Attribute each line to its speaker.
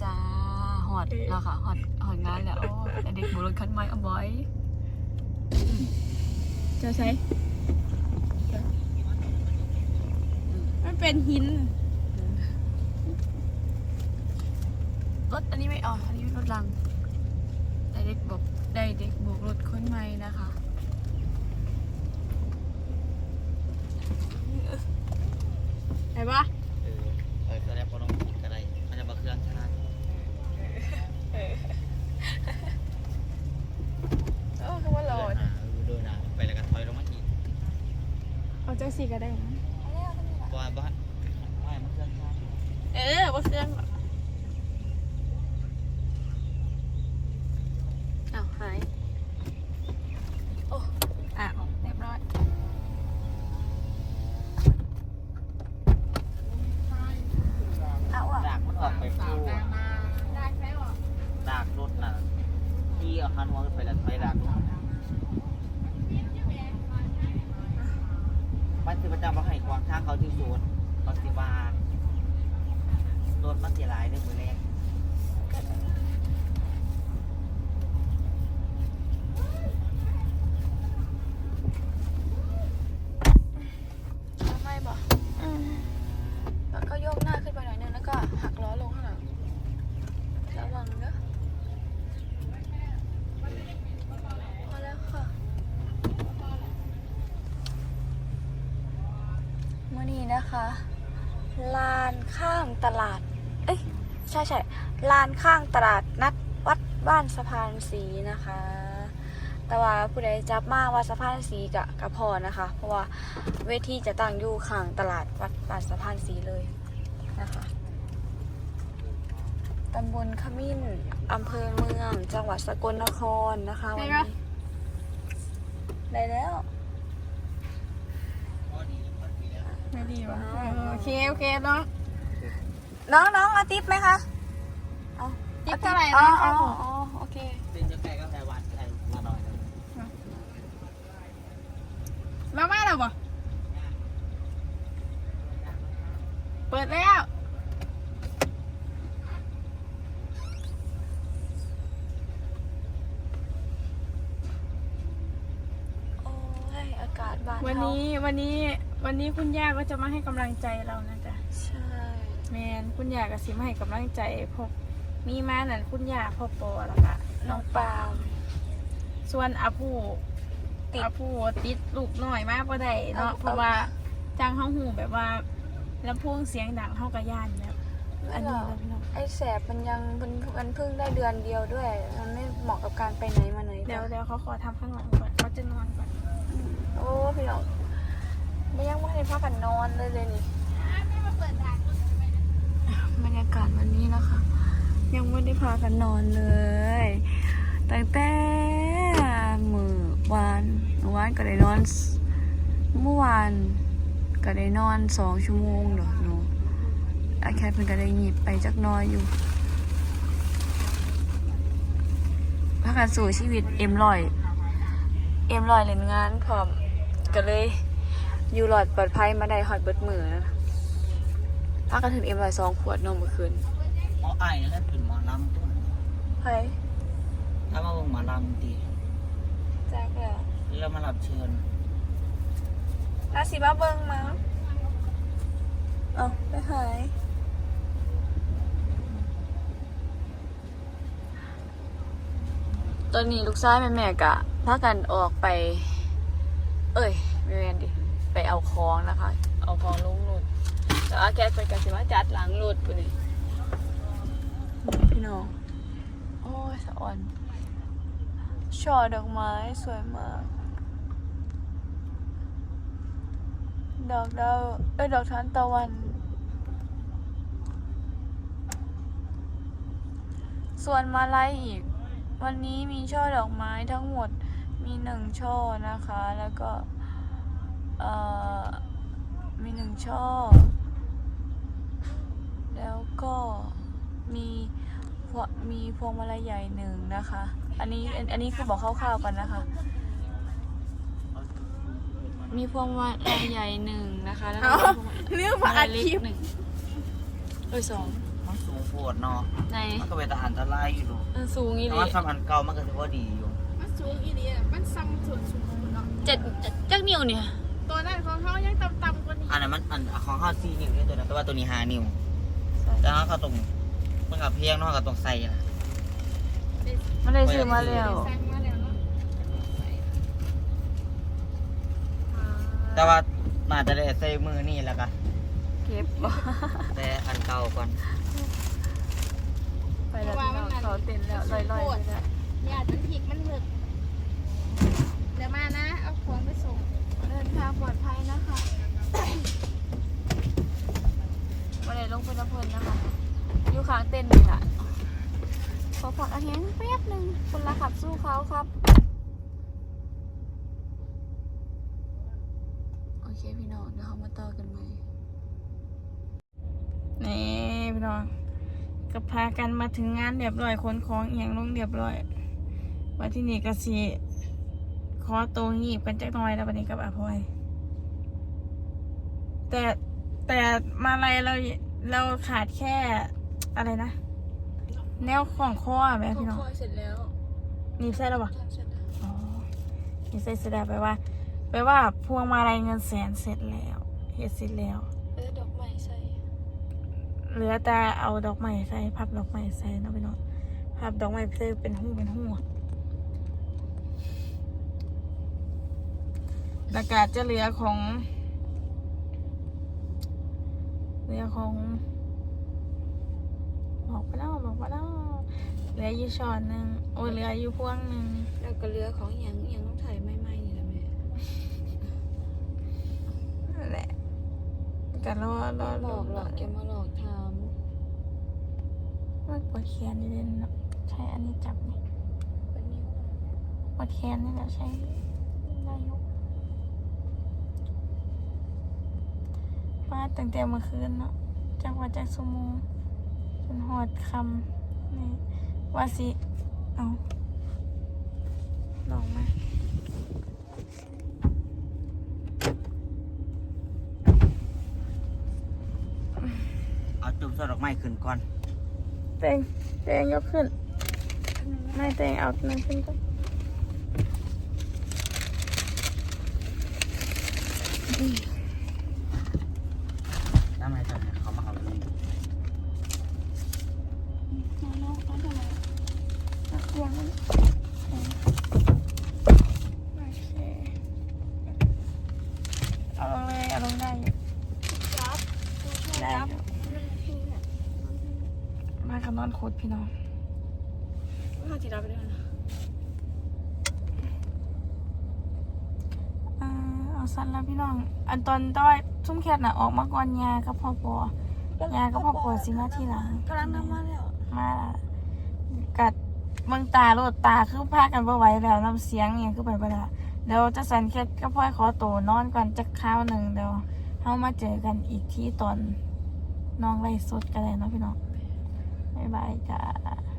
Speaker 1: จ้าหอดแล้วค่ะหอดงานแล้วโอ้เด็กบุรุษคันไม้เอาไว้จะใช้
Speaker 2: มันเป็นหิน
Speaker 1: รถอันนี้ไม่อ๋ออันนี้รถลังได้เด็กบวกรถคนใหม่นะคะ
Speaker 2: ไหนปะ
Speaker 3: ก็ได้พอน้องกินก็ได้มันจะมาเครื่องชา
Speaker 1: คือว่าโหลด
Speaker 3: โดยนะไปแล้วก็ถอยลงมาอีก
Speaker 2: เอาเจ้าสีก็ได้นะ
Speaker 3: ว่าบ้านไม่มาเครื่องชา
Speaker 2: ว่าเครื่อง
Speaker 1: อ้าวหายโอ้เรียบร้อย
Speaker 3: ดากมันออกไปคู่ดากรถน่ะที่เอาคันหัวไปแล้วไปดากมันคือประจำว่าให้กวางทางเขาที่สวนเขาสิบารถมันเสียหลายเรื่องมือแรก
Speaker 1: ไม่บอกแล้วก็โยกหน้าขึ้นไปหน่อยนึงแล้วก็หักล้อลงข้างหลังระวังเนอะพอแล้วค่ะเมื่อนี้นะคะลานข้างตลาดใช่ลานข้างตลาดนัดวัดบ้านสะพานสีนะคะแต่ว่าผู้ใดจับมาว่าสะพานสีกะพอนะคะเพราะว่าเวทีจะตั้งอยู่ข้างตลาดวัดบ้านสะพานสีเลยนะคะตำบลขมิ้นอำเภอเมืองจังหวัดสกลนครนะคะวันนี้ได้แล้ว
Speaker 2: ไม่ดีวะโอเคน้อง
Speaker 1: เอาติ๊บไหมคะ
Speaker 2: ติ๊บเท่าไหร่
Speaker 1: อ๋อ
Speaker 2: นะ
Speaker 1: โอเค
Speaker 3: เป็นจะไก่ก็ไก่หวานไก่มาหน่อยนะ
Speaker 2: แล้วมาแล้วบ่เปิดแล้ว
Speaker 1: โอ้ยอากาศบ้าน
Speaker 2: วันนี้คุณย่าก็จะมาให้กำลังใจเรานะจ๊ะ
Speaker 1: ใช่
Speaker 2: แมนคุณย่าก็สิมาให้กำลังใจพวกมีมานั่นคุณย่าพ่อปอแล้วก็น้องปามส่วนอาผู้ติดลูกหน่อยมากก็ได้เนาะเพราะว่าจ้างเขาหูแบบว่าลำโพงเสียงดังเขากระย่านแบบอันนี้เลยพี่น้อง
Speaker 1: ไอ้แสบมันเพิ่งได้เดือนเดียวด้วยมันไม่เหมาะกับการไปไหนมาไหน
Speaker 2: เดี๋ยวเขาขอทำข้างหลังก่อนเขาจะนอนก่อน
Speaker 1: โอ้พี่น้องไม่ยังไม่ได้พักกันนอนเลยนี่บรรยากาศวันนี้นะคะยังไม่ได้พากันนอนเลยตั้งแต่เมื่อวานก็ได้นอนเมื่อวานก็ได้นอน2 ชั่วโมงเดี๋ยวหนูอาแคทเพิ่งก็ได้หยิบไปจักน้อยอยู่พากันสู่ชีวิตเอ็มลอยเล่นงานพร้อมก็เลยอยู่หลอดปลอดภัยมาได้ฮอดเบิดมือนะพากันถึงเอ็มลอย2 ขวดนมเมื่อคืน
Speaker 3: หมอไอ้นั่นเป็นหมอลำตัว
Speaker 1: เฮ้ย
Speaker 3: ถ้ามาบอกหมอลำดี
Speaker 1: แจ็คแล้ว
Speaker 3: แล้วมารับเชิญ
Speaker 1: ราศีบ้าเบิ้งมั้งไปหายตอนนี้ลูกชายแม่กะพากันออกไปไม่เว้นดิไปเอาของนะคะเอาของลงรถแต่อาแคทไปกันสิมาจัดหลังรถไปเลยพี่น้องโอ้ยสะอ่อนช่อดอกไม้สวยมากดอกดาวดอกทานตะวันส่วนมาลัยอีกวันนี้มีช่อดอกไม้ทั้งหมดมี1 ช่อนะคะแล้วก็มี1 ช่อแล้วก็มีพวงมาลัยใหญ่1นะคะอันนี้คือบอกคร่าวๆกันนะคะมีพวงมาลัยใหญ่1นะคะแล้วก็
Speaker 2: เรื่องมาอัดคลิป
Speaker 1: 2
Speaker 3: โพดเนาะ
Speaker 1: ใน
Speaker 3: มันก็เป็นตาอันตรายอยู่ดู
Speaker 1: สูงอี
Speaker 3: แต่
Speaker 1: หลี
Speaker 3: ว่าสำอันเก่ามันก็ถือว่าดีอยู่
Speaker 2: มันสูงอีหลีอ่ะมันซ้ำส่วนสูงเนาะ
Speaker 1: จักนิ้วเนี่ย
Speaker 2: ตัวนั้นของเขายังต่ำๆกว่านี้
Speaker 3: อันนั้นมันอันของข้าว4 นิ้วนี่ตัวนั้นแต่ว่าตัวนี้5 นิ้วแต่เขาตรงมันกับเพียงเนาะกับตรงใส่นะ
Speaker 1: มันได้ซื้อมาแล้ว
Speaker 2: สั่งมาแล้วเนาะ
Speaker 3: แต่ว่าน่าจะได้ใส่มือนี่แหละกัน
Speaker 1: เก็บบ่
Speaker 3: แต่อันเก่าก่อน
Speaker 1: ไปแล้วพี่น้องเขาเต้นแล้วลอยๆไปแล้ว
Speaker 2: อย่าจนผิดมันหมึกเดี๋ยวมานะเอาของไปส่ง
Speaker 1: เดินทางปลอดภัยนะคะวันนี้ลงไปน้ำเพลินนะคะอยู่ข้างเต้นนี่แหละขอผักอาหารแป๊บหนึ่งคนละขับสู้เขาครับโอเคพี่น้องเดี๋ยวเขามาต่อกันใหม่
Speaker 2: นี่พี่น้องก็พากันมาถึงงานเรียบร้อยขนของเอียงลงเรียบร้อยว่าที่นี่ก็สิขอตัวงีบกันจักหน่อยแล้ววันนี้กับอาพลอยแต่มาอะไรเราขาดแค่อะไรนะ แนวของข้อไหมพี่น้อง
Speaker 1: คอยเสร็จแล้ว
Speaker 2: หนีบใส่แล้วปะ
Speaker 1: เสร็จแล้ว
Speaker 2: อ๋อหนีบใส่เสร็จแล้วแปลว่าพวงมาลัยเงินแสนเสร็จแล้วเฮ็ดเสร็จแล้ว
Speaker 1: ดอกไม้ใส่
Speaker 2: เหลือแต่เอาดอกไม้ใส่พับดอกไม้ใส่เนาะพี่น้องพับดอกไม้ใส่เป็นหูแล้วก็จะเหลือของบอกไปแล้วเหลืออยู่ช้อนหนึ่งโอ้ยเหลืออยู่พวงหนึ่ง
Speaker 1: แล้วก็เรือของอย่างต้องถ่ายไม่ไหม้นี่แหละแม่
Speaker 2: นั่นแหละก็รอ
Speaker 1: หลอกแกมาหลอกท
Speaker 2: มันปวดแขนนิดนึงเนาะใช้อันนี้จับนี่
Speaker 1: ำเป็นนิ้ว
Speaker 2: ปวดแขนนี่แหละใช้ได้อยุว่าตั้งแต่เมื่อคืนเนาะจากว่าจากสมงจนหอดคำนี่ว่าสิเอาลองมา
Speaker 3: เอาจุ่มใส่ดอกไม้ขึ้นก่อน
Speaker 2: เตงยกขึ้นไม่เตงเอานั่นขึ้นก่อน
Speaker 3: น้ำไม้จะเขามาเอาเลย
Speaker 2: น้องเขาทำไมนักเรียนมันโอเคเอาลงเลยเอาลงได้อยู่ได้อยู่มากับนอนโคตรพี่น้อง
Speaker 1: ข้าวจีราไปด้วยนะ
Speaker 2: เอาสั้นแล้วพี่น้อง อันตอนต้อยชุ่มแคทน่ะออกมาก่อนยากับพ่อปอยากับพ่อปอสิมาทีหลัง
Speaker 1: กำลังทำมาแล้ว
Speaker 2: มากัดเมืองตาโลดตาคือพากันบ่ไหวแล้วน้ำเสียงอย่างคือไปบ่ได้เดี๋ยวจะสันแคทก็พ่อยขอโตวนอนก่อนจักคราวหนึ่งเดี๋ยวเฮามาเจอกันอีกที่ตอนน้องไล่สดกันเลยเนาะพี่น้องบ๊ายบายจ้า